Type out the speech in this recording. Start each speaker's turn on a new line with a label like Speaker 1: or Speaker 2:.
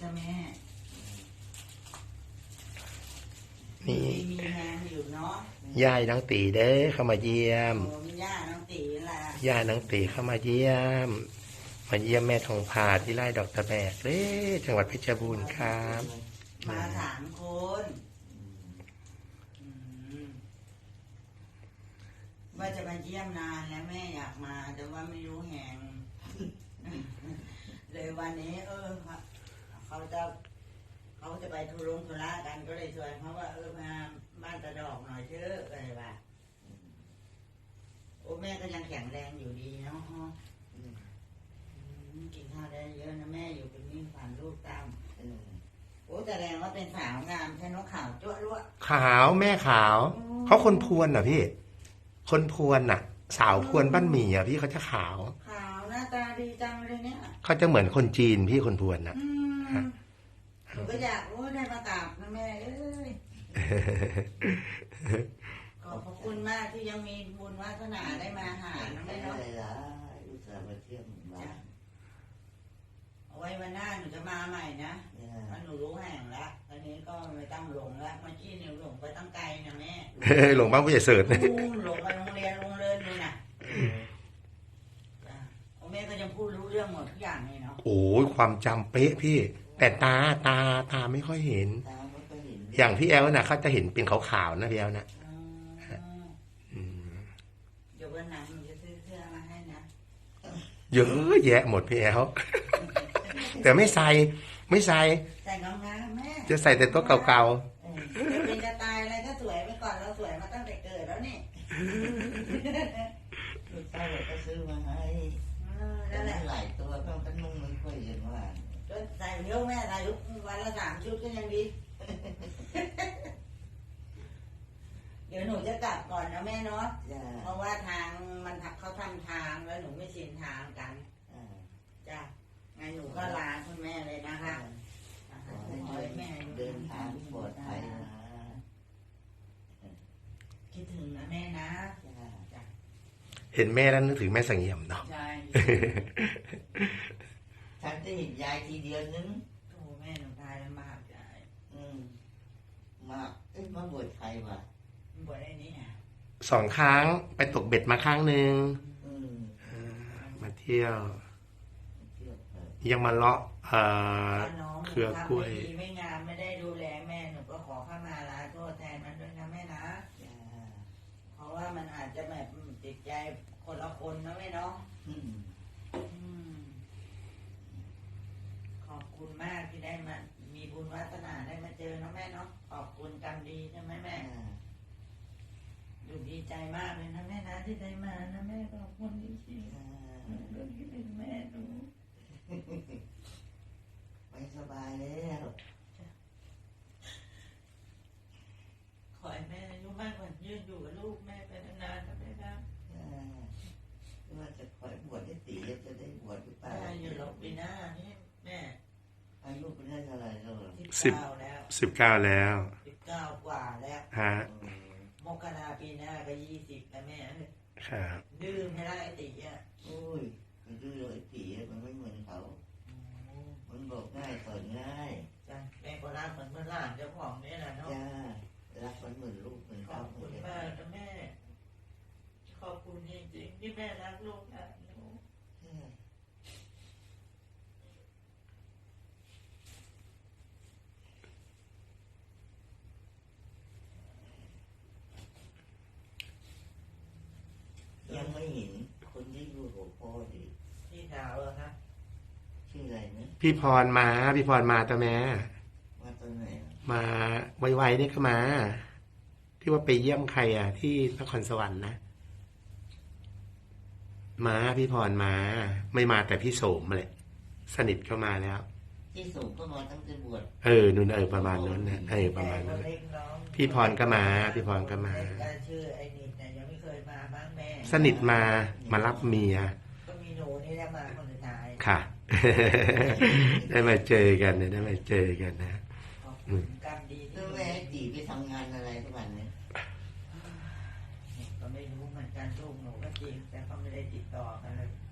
Speaker 1: จ้ะแม่
Speaker 2: นี่
Speaker 1: มีงานอยู่เนาะ
Speaker 2: ย่ายน้องตีเด้อเข้ามาเยี่ยม
Speaker 1: ย่าน้องตีล่ะ
Speaker 2: ย่าน้องตีเข้ามาเยี่ยมมาเยี่ยมแม่ทองผาที่ไร่ดอกตะแบกเด้จังหวัดเพชรบูรณ์ครับ
Speaker 1: มา3 คนว่าจะมาเยี่ยมนานแล้วแม่อยากมาแต่ว่าไม่รู้แห่งเลยวันนี้เขาจะไปธุระกันก็เลยชวนเขาว่ามาบ้านตะดอกหน่อยเถอะอะไรวะโอ้แม่ก็ยังแข็งแรงอยู่ดีเนาะกินข้าวได้เยอะนะแม่อยู่เป็นมิ่งฝันลูกตามโอ้แสดงว่าเป็นสาวงามใช่เนาะขาวจ้วะล้ว
Speaker 2: ขาวแม่ขาวเขาคนพวนเหรอพี่คนพวนน่ะ สาวพวนบ้านหมี่อ่ะพี่เขาจะขาว
Speaker 1: หน้าตาดีจังเลยเนี่ย
Speaker 2: เขาจะเหมือนคนจีนพี่คนพวนน่ะ
Speaker 1: หนูก็อยากรู้ได้มากราบนะแม่เอ้ยขอบคุณมากที่ยังมีบุญวาสนาได้มาหานะแม่เนาะ
Speaker 3: อุตส่าห์มาเที่ยวบ้าน
Speaker 1: เอาไว้วันหน้าหนูจะมาใหม่นะเพราะหนูรู้แห่งแล้วตอนนี้ก็ไม่ต้องหลงแล้วเมื่อกี้หนูหลงไปตั้งไกลนะแม่
Speaker 2: หลงบ้านผู้ใหญ่เสิร์ช
Speaker 1: หลงไปโรงเรียนเลยนะแม่ก็ยังพูดรู้เรื่องหมดทุกอย่างเลยเนาะ
Speaker 2: โอ้ยความจำเป๊ะพี่แต่ตาไม่ค่อยเห็นอย่างพี่แอลน่ะเขาจะเห็นเป็นขาวๆนะพี่แอลนะ
Speaker 1: เดี๋ยววันหลังหนูจะซื้อเสื้อมาให้นะ
Speaker 2: เยอะแยะหมดพี่แอลแต่ไม่ใส่
Speaker 1: ใส่งามๆแม่
Speaker 2: จะใส่แต่ตัวเก่า
Speaker 1: ๆเป็นจะตายอะไรก็สวยไปก่อนเราสวยมาตั้งแต่เกิดแล้วนี่
Speaker 3: ลูกชายก็ซื้อมาให้นั่นแหละหลายตัวก็นุ่งไม่ค่อยเห็นว่า
Speaker 1: ใส่เยอะแม่ใส่ทุกวันละ3 ชุดก็ยังดีเดี๋ยวหนูจะกลับก่อนนะแม่เนาะเพราะว่าทางมันเขาทำทางแล้วหนูไม่ชินทางกันจ้ะงั้นหนูก็ลาคุณแม่เลยนะคะขอให้แม่
Speaker 3: เดินทางปลอดภัยนะ
Speaker 1: คิดถึงนะแม่นะ
Speaker 2: เห็นแม่แล้วนึกถึงแม่สังเงียมเนาะ
Speaker 1: ใช่
Speaker 3: ฉันจะเห็นยายทีเดียวนึง
Speaker 1: โอ้แม่หนูตายแล้วมากยาย
Speaker 3: มากมาบวชใครวะ
Speaker 1: บวชไอ้นี่
Speaker 2: 2 ครั้งไปตกเบ็ดมาครั้งหนึ่งมาเที่ยวยังมาเลาะเครือกล้วย
Speaker 1: ไม่งามไม่ได้ดูแลแม่หนูก็ขอเข้ามาลาโทษแทนมันด้วยนะแม่นะเพราะว่ามันอาจจะแบบติดใจคนละคนนะแม่เนาะขอบคุณมากที่ได้มามีบุญวาสนาได้มาเจอนะแม่เนาะขอบคุณกรรมดีใช่ไหมแม่ดูดีใจมากเลยนะแม่นะที่ได้มานะแม่ขอบคุณจริงๆเรื่องที่เป็นแม่หนู
Speaker 3: ไม่สบายแล้ว
Speaker 1: ขอให้แม่อายุมากกว่ายืนอยู่กับลูกแม่ไปนานๆนะแม่นะ
Speaker 3: ว่าจะคอยบวชให้ตีจะได้บวชหรือเปล่า
Speaker 1: อยู่หลบปีหน้านี่แม่
Speaker 3: อายุเป็นได้เท่าไหร่แล้ว
Speaker 1: 19แล้ว
Speaker 2: 19แล้ว
Speaker 1: 19 กว่าแล้ว
Speaker 2: ฮะ
Speaker 1: มกราปีหน้าก็20แล้วแม่
Speaker 2: ครับ
Speaker 1: ดื้อไม่ได้ตี
Speaker 3: โอ้ยมันดื้อไอ้ตีมันไม่เหมือนเขามันบอกง่ายสอนง่าย
Speaker 1: จ้ะแม่ก็รักเหมือนเมื่อหลานเจ้าของนี่แหละเนาะ
Speaker 3: รักมันเหมือนลูกเหมือน
Speaker 1: ขอบคุณมากนะแม่ขอบคุณจริงๆที่แม่รักลูกนะ
Speaker 3: ยังไม่เห็นคนที่อยู่หัวพ่อดี
Speaker 1: พี่สาวเหรอครับ
Speaker 3: ชื่ออะไรนะ
Speaker 2: พี่พรมาตัวแม่
Speaker 3: มาตอนไหน
Speaker 2: มาไวๆนี่ก็มาที่ว่าไปเยี่ยมใครที่นครสวรรค์นะพี่พรไม่มาแต่พี่โสมเลยสนิทเข้ามาแล้ว
Speaker 3: พี่โสมก็มาตั้งแต่บวช
Speaker 2: นู่นประมาณนั้นนะประมาณนั้นพี่พรก็มา
Speaker 1: ชื่อไอ้นิดเนี่ยยังไม่เคยมาบ้างแม่
Speaker 2: สนิทมารับเมีย
Speaker 1: ก็มีหนูนี่แหละมาคนสุดท้าย
Speaker 2: ค่ะได้มาเจอกันนะ
Speaker 1: กรรมดี
Speaker 3: แล้วแม่ตีไปทำงานอะไรทุกวันเนี่ย
Speaker 1: ก็ไม่รู้เหมือนกันลูกหนูก็จริงแต่เขาไม่ได้ติดต่อกันเลย